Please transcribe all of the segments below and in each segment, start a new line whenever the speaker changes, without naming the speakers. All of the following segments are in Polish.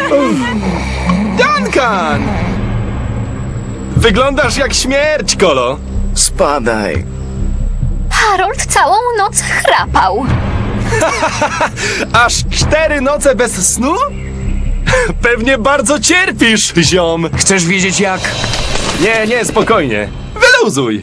Duncan! Wyglądasz jak śmierć, Kolo.
Spadaj.
Harold całą noc chrapał.
Aż 4 noce bez snu? Pewnie bardzo cierpisz, ziom.
Chcesz wiedzieć jak?
Nie, spokojnie. Wyluzuj.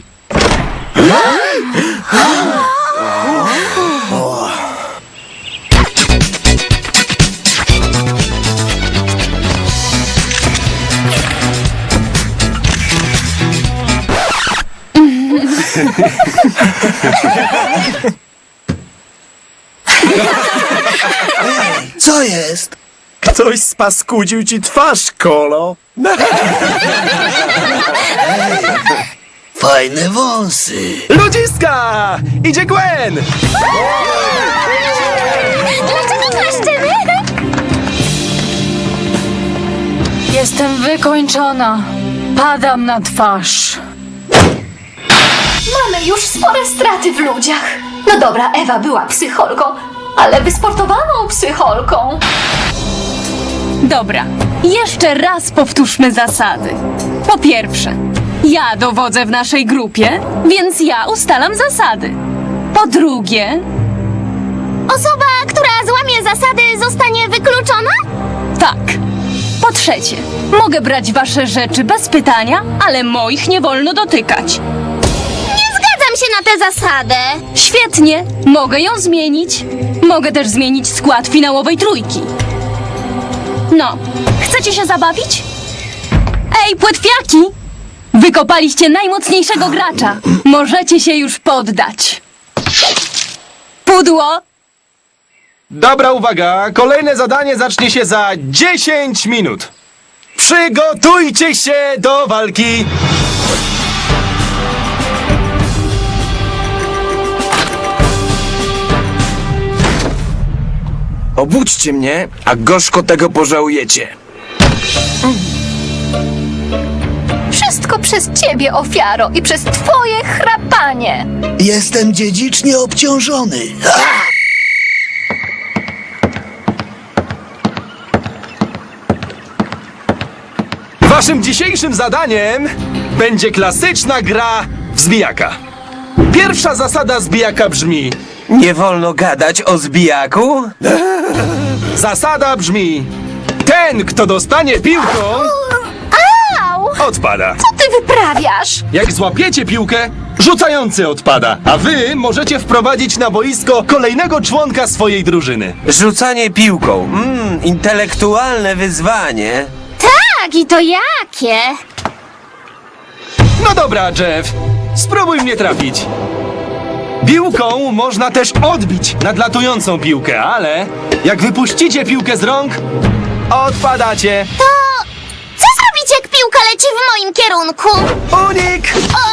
Co jest?
Ktoś spaskudził ci twarz, Kolo.
Fajne wąsy.
Ludziska! Idzie Gwen!
Dlaczego klaszczymy?
Jestem wykończona. Padam na twarz.
Mamy już spore straty w ludziach. No dobra, Ewa była psycholką, ale wysportowaną psycholką.
Dobra, jeszcze raz powtórzmy zasady. Po pierwsze, ja dowodzę w naszej grupie, więc ja ustalam zasady. Po drugie,
Osoba, która złamie zasady, zostanie wykluczona?
tak. Po trzecie, mogę brać wasze rzeczy bez pytania, ale moich nie wolno dotykać.
Nie zgadzam się na tę zasadę.
Świetnie, mogę ją zmienić. Mogę też zmienić skład finałowej trójki. No, chcecie się zabawić? Ej, płetwiaki! Wykopaliście najmocniejszego gracza. Możecie się już poddać. Pudło!
Dobra, uwaga. Kolejne zadanie zacznie się za 10 minut. Przygotujcie się do walki.
Obudźcie mnie, a gorzko tego pożałujecie.
Wszystko przez ciebie, ofiaro, i przez twoje chrapanie.
Jestem dziedzicznie obciążony.
Waszym dzisiejszym zadaniem będzie klasyczna gra w zbijaka. Pierwsza zasada zbijaka brzmi:
Nie wolno gadać o zbijaku?
zasada brzmi: ten, kto dostanie piłką,
Au!
odpada.
Co ty wyprawiasz?
Jak złapiecie piłkę, rzucający odpada, a wy możecie wprowadzić na boisko kolejnego członka swojej drużyny.
Rzucanie piłką. Intelektualne wyzwanie.
Tak, i to jakie?
No dobra, Jeff, spróbuj mnie trafić. Piłką można też odbić nadlatującą piłkę, ale jak wypuścicie piłkę z rąk, odpadacie.
To co zrobić, jak piłka leci w moim kierunku?
Unik!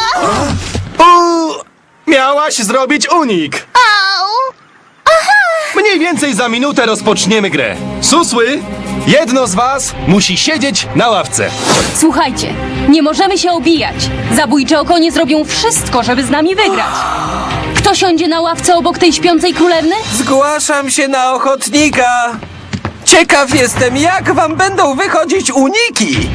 Miałaś zrobić unik.
Au!
Mniej więcej za minutę rozpoczniemy grę. Susły, jedno z was musi siedzieć na ławce.
Słuchajcie, nie możemy się obijać. Zabójcze okonie zrobią wszystko, żeby z nami wygrać. Kto siądzie na ławce obok tej śpiącej królewny?
Zgłaszam się na ochotnika. Ciekaw jestem, jak wam będą wychodzić uniki.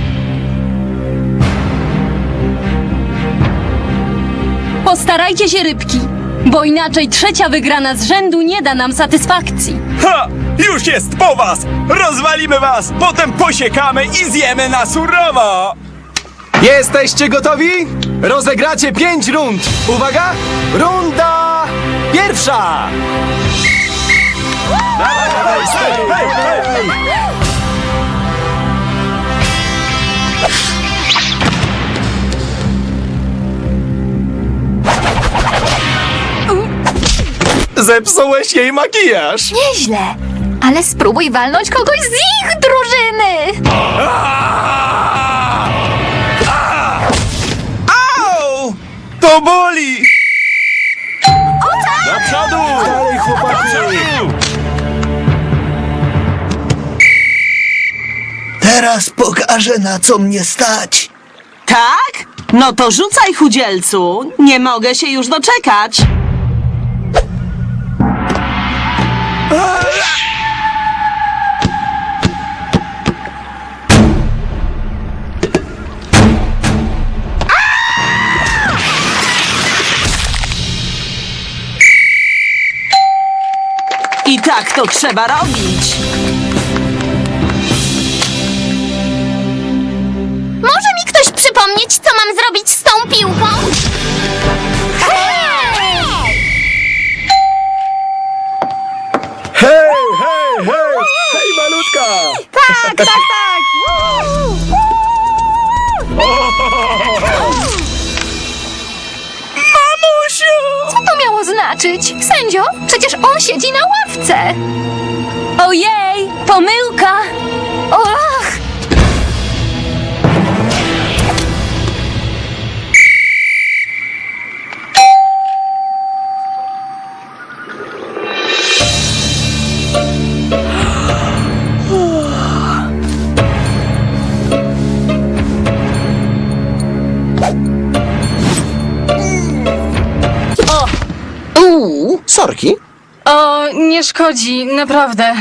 Postarajcie się, rybki, bo inaczej trzecia wygrana z rzędu nie da nam satysfakcji.
Ha! Już jest po was! Rozwalimy was, potem posiekamy i zjemy na surowo!
Jesteście gotowi? Rozegracie 5 rund. Uwaga! Runda pierwsza! Zepsułeś jej makijaż.
Nieźle, ale spróbuj walnąć kogoś z ich drużyny.
Au! To boli!
Do przodu! Dalej, chłopaki!
Teraz pokażę, na co mnie stać.
Tak? No to rzucaj, chudzielcu. Nie mogę się już doczekać. I tak to trzeba robić.
Może mi ktoś przypomnieć, co mam zrobić z tą piłką?
Hej, hej, hej! Hej, malutka!
Tak, tak, tak!
Co to miało znaczyć? Sędzio, przecież on siedzi na ławce.
Ojej, pomyłka!
Och!
Sorki?
O, nie szkodzi, naprawdę.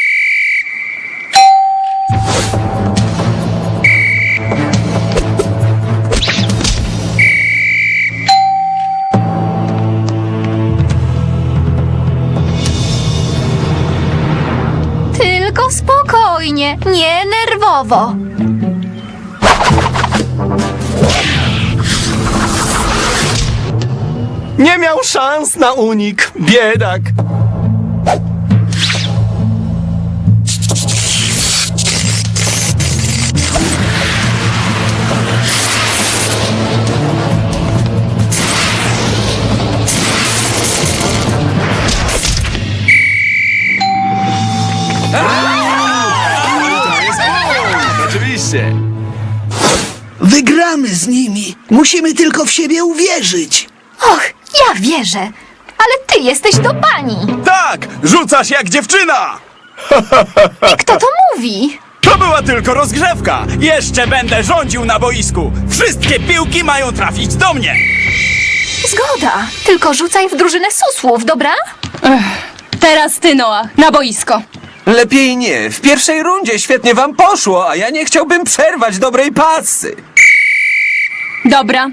Tylko spokojnie, nie nerwowo.
Nie miał szans na unik, biedak. Oczywiście.
Wygramy z nimi. Musimy tylko w siebie uwierzyć.
Och, ja wierzę. Ale ty jesteś do pani.
Tak! Rzucasz jak dziewczyna!
Kto to mówi?
To była tylko rozgrzewka! Jeszcze będę rządził na boisku! Wszystkie piłki mają trafić do mnie!
Zgoda. Tylko rzucaj w drużynę susłów, dobra?
Teraz ty, Noah, na boisko.
Lepiej nie. W pierwszej rundzie świetnie wam poszło, a ja nie chciałbym przerwać dobrej pasy.
Dobra.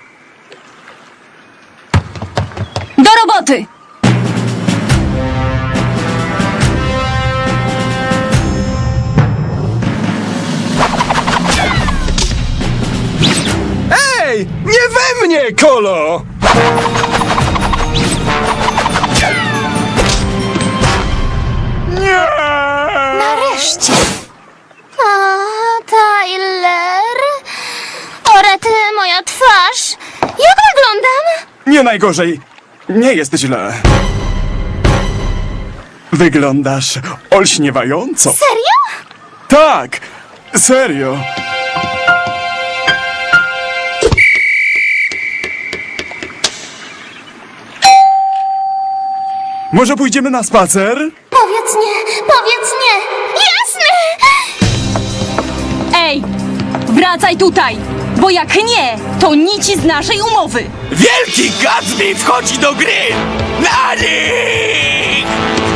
Do roboty!
Ej, nie we mnie, Kolo!
Nareszcie.
A, Tyler? O rety, moja twarz. Jak wyglądam?
Nie najgorzej. Nie jest źle. Wyglądasz olśniewająco.
Serio?
Tak, serio. Może pójdziemy na spacer?
Powiedz nie, powiedz nie. Jasne!
Ej, wracaj tutaj! Bo jak nie, to nici z naszej umowy!
Wielki Gatsby wchodzi do gry! Na nich!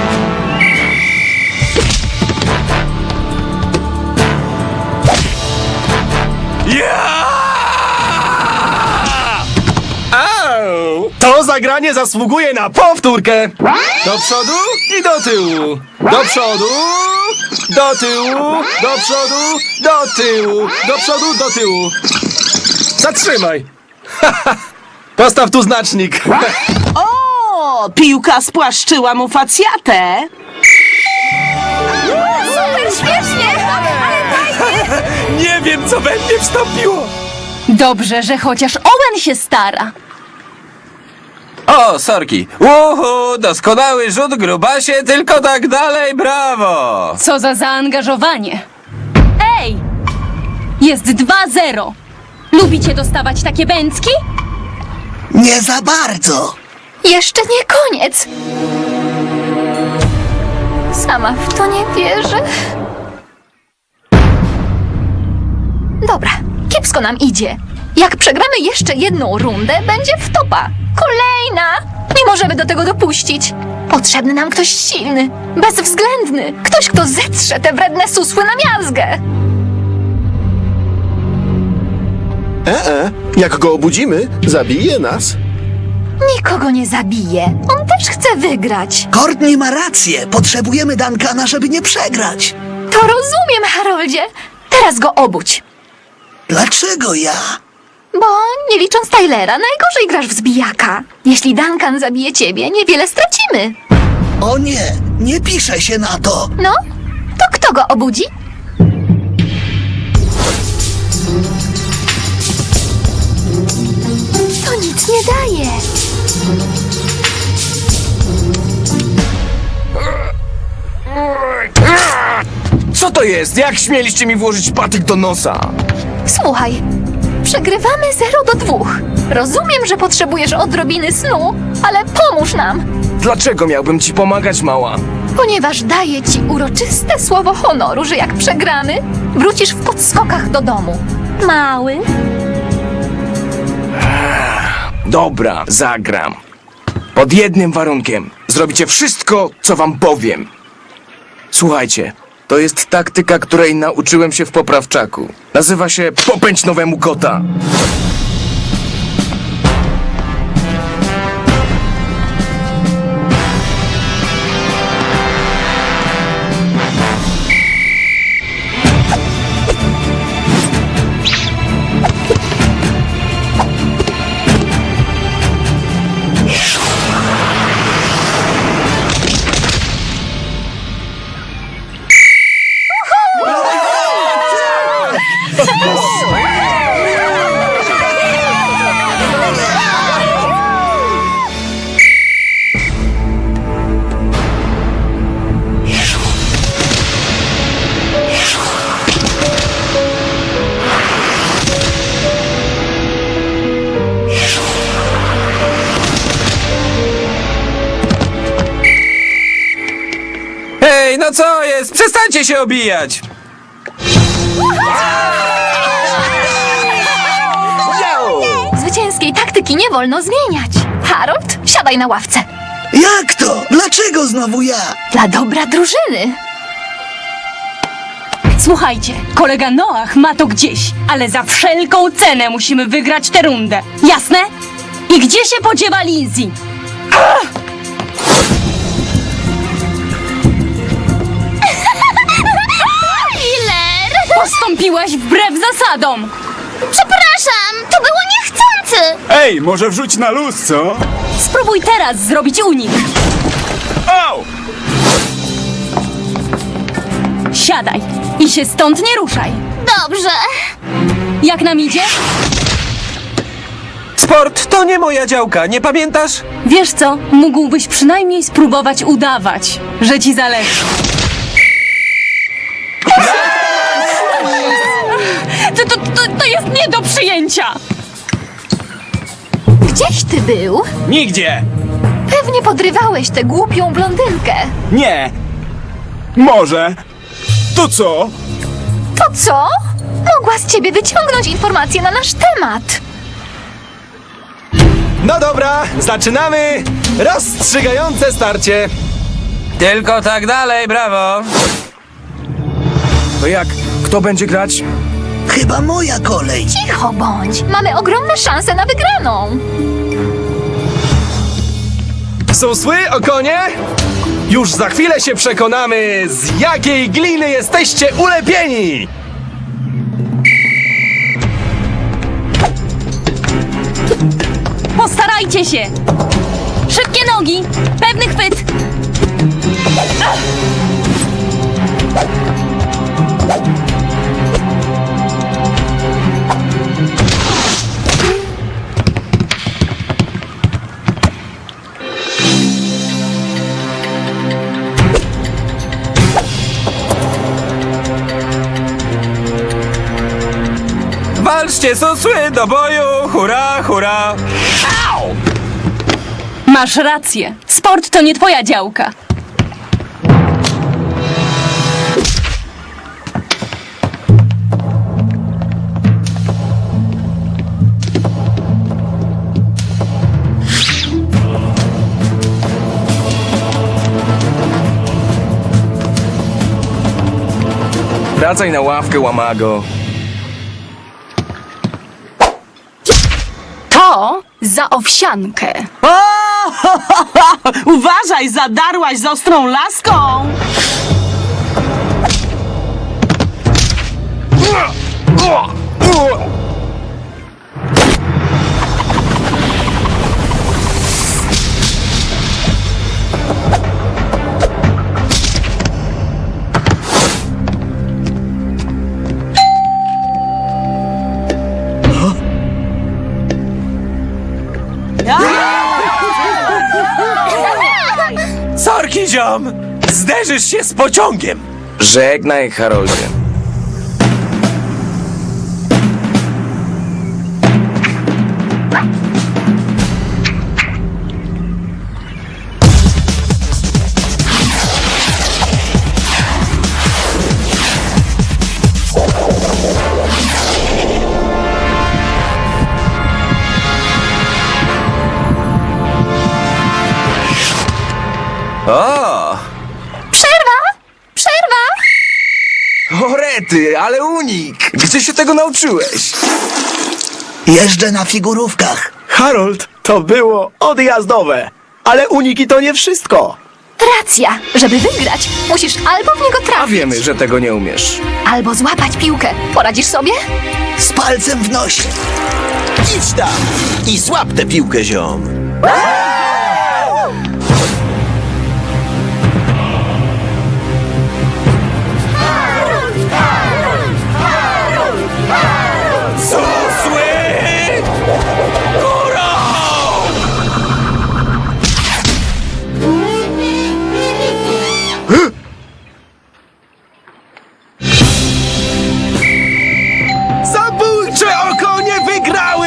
Au! To zagranie zasługuje na powtórkę. Do przodu i do tyłu. Do przodu, do tyłu, do przodu, do tyłu, do przodu, do tyłu. Zatrzymaj. Postaw tu znacznik.
O, piłka spłaszczyła mu facjatę.
Super śmiesznie!
Nie wiem, co we mnie wstąpiło!
Dobrze, że chociaż Owen się stara.
O, sorki. Uhu, doskonały rzut, grubasie, tylko tak dalej, brawo!
Co za zaangażowanie. Ej! Jest 2-0. Lubicie dostawać takie bęcki?
Nie za bardzo.
Jeszcze nie koniec. Sama w to nie wierzę. Dobra, kiepsko nam idzie. Jak przegramy jeszcze jedną rundę, będzie wtopa. Kolejna! Nie możemy do tego dopuścić. Potrzebny nam ktoś silny, bezwzględny. Ktoś, kto zetrze te wredne susły na miazgę.
Jak go obudzimy, zabije nas.
Nikogo nie zabije. On też chce wygrać.
Courtney ma rację. Potrzebujemy Duncana, żeby nie przegrać.
To rozumiem, Haroldzie. Teraz go obudź.
Dlaczego ja?
Bo nie licząc Tylera, najgorzej grasz w zbijaka. Jeśli Duncan zabije ciebie, niewiele stracimy.
O nie, nie pisze się na to.
No, to kto go obudzi? To nic nie daje.
Co to jest? Jak śmieliście mi włożyć patyk do nosa?
Słuchaj, przegrywamy 0-2. Rozumiem, że potrzebujesz odrobiny snu, ale pomóż nam,
Dlaczego miałbym ci pomagać, mała?
ponieważ daję ci uroczyste słowo honoru, że jak przegramy, wrócisz w podskokach do domu. Mały?
Dobra, zagram. Pod jednym warunkiem. Zrobicie wszystko, co wam powiem. Słuchajcie, to jest taktyka, której nauczyłem się w poprawczaku. Nazywa się popędź nowemu kota.
Hej, no co jest? Przestańcie się obijać!
Zwycięskiej taktyki nie wolno zmieniać. Harold, siadaj na ławce.
Jak to? Dlaczego znowu ja?
Dla dobra drużyny.
Słuchajcie, kolega Noach ma to gdzieś, ale za wszelką cenę musimy wygrać tę rundę. Jasne? I gdzie się podziewa Lindsay?
Tyler!
Postąpiłaś wbrew zasadom!
Przepraszam, to było niechcący!
Ej, może wrzuć na luz, co?
Spróbuj teraz zrobić unik.
Au!
Siadaj i się stąd nie ruszaj.
Dobrze.
Jak nam idzie?
Sport to nie moja działka, nie pamiętasz?
Wiesz co, mógłbyś przynajmniej spróbować udawać, że ci zależy. To jest nie do przyjęcia!
Gdzieś ty był?
Nigdzie!
Pewnie podrywałeś tę głupią blondynkę.
Nie! Może! To co?
To co? Mogła z ciebie wyciągnąć informacje na nasz temat.
No dobra, zaczynamy! Rozstrzygające starcie!
Tylko tak dalej, brawo!
To jak? Kto będzie grać?
Chyba moja kolej.
Cicho bądź. Mamy ogromne szanse na wygraną.
Susły, okonie? Już za chwilę się przekonamy, z jakiej gliny jesteście ulepieni!
Postarajcie się! Szybkie nogi! Pewny chwyt!
Walczcie, susły, do boju! Hurra, hurra! Au!
Masz rację. Sport to nie twoja działka.
Wracaj na ławkę, łamago.
To za owsiankę.
O! Uważaj, zadarłaś z ostrą laską!
Sorki, ziom! Zderzysz się z pociągiem!
Żegnaj, Haroldzie. O!
Przerwa! Przerwa!
O rety, ale unik! Gdzie się tego nauczyłeś?
Jeżdżę na figurówkach.
Harold, to było odjazdowe. Ale uniki to nie wszystko.
Racja! Żeby wygrać, musisz albo w niego
A
trafić,
wiemy, że tego nie umiesz.
albo złapać piłkę. Poradzisz sobie?
Z palcem w nosie.
Idź tam i złap tę piłkę, ziom.
Susły! Górą!
Zabójcze okonie wygrały!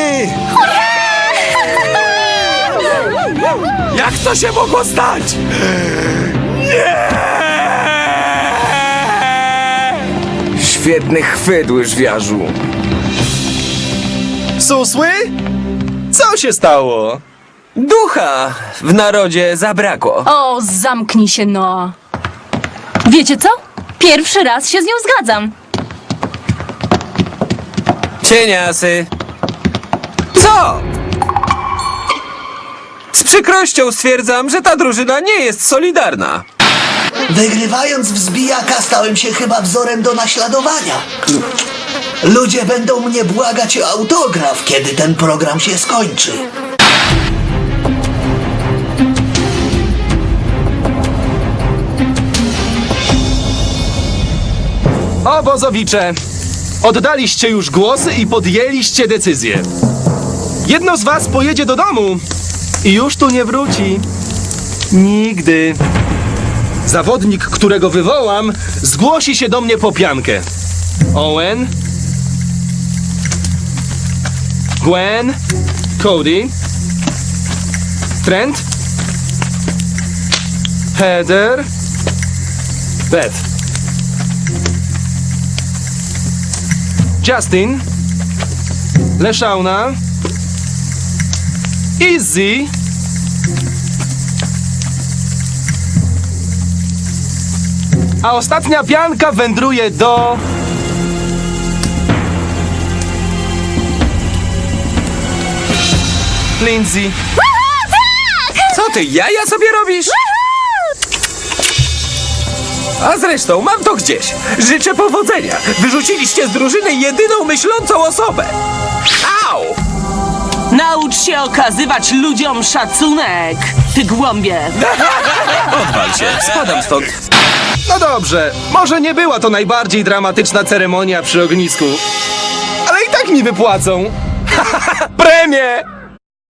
Jak to się mogło stać?
Świetny chwyt, łyżwiarzu.
Susły? Co się stało?
Ducha w narodzie zabrakło.
O, zamknij się, no. Wiecie co? Pierwszy raz się z nią zgadzam.
Cieniasy. Co? Z przykrością stwierdzam, że ta drużyna nie jest solidarna.
Wygrywając w zbijaka stałem się chyba wzorem do naśladowania. Ludzie będą mnie błagać o autograf, kiedy ten program się skończy.
Obozowicze, oddaliście już głosy i podjęliście decyzję. Jedno z was pojedzie do domu i już tu nie wróci. Nigdy. Zawodnik, którego wywołam, zgłosi się do mnie po piankę. Owen, Gwen, Cody, Trent, Heather, Beth. Justin, Leszauna, Izzy, a ostatnia pianka wędruje do... Lindsay.
Co ty, jaja sobie robisz? A zresztą, mam to gdzieś. Życzę powodzenia. Wyrzuciliście z drużyny jedyną myślącą osobę. Au!
Naucz się okazywać ludziom szacunek, ty głąbie.
Odwal się, spadam stąd.
No dobrze, może nie była to najbardziej dramatyczna ceremonia przy ognisku, ale i tak mi wypłacą. Premię!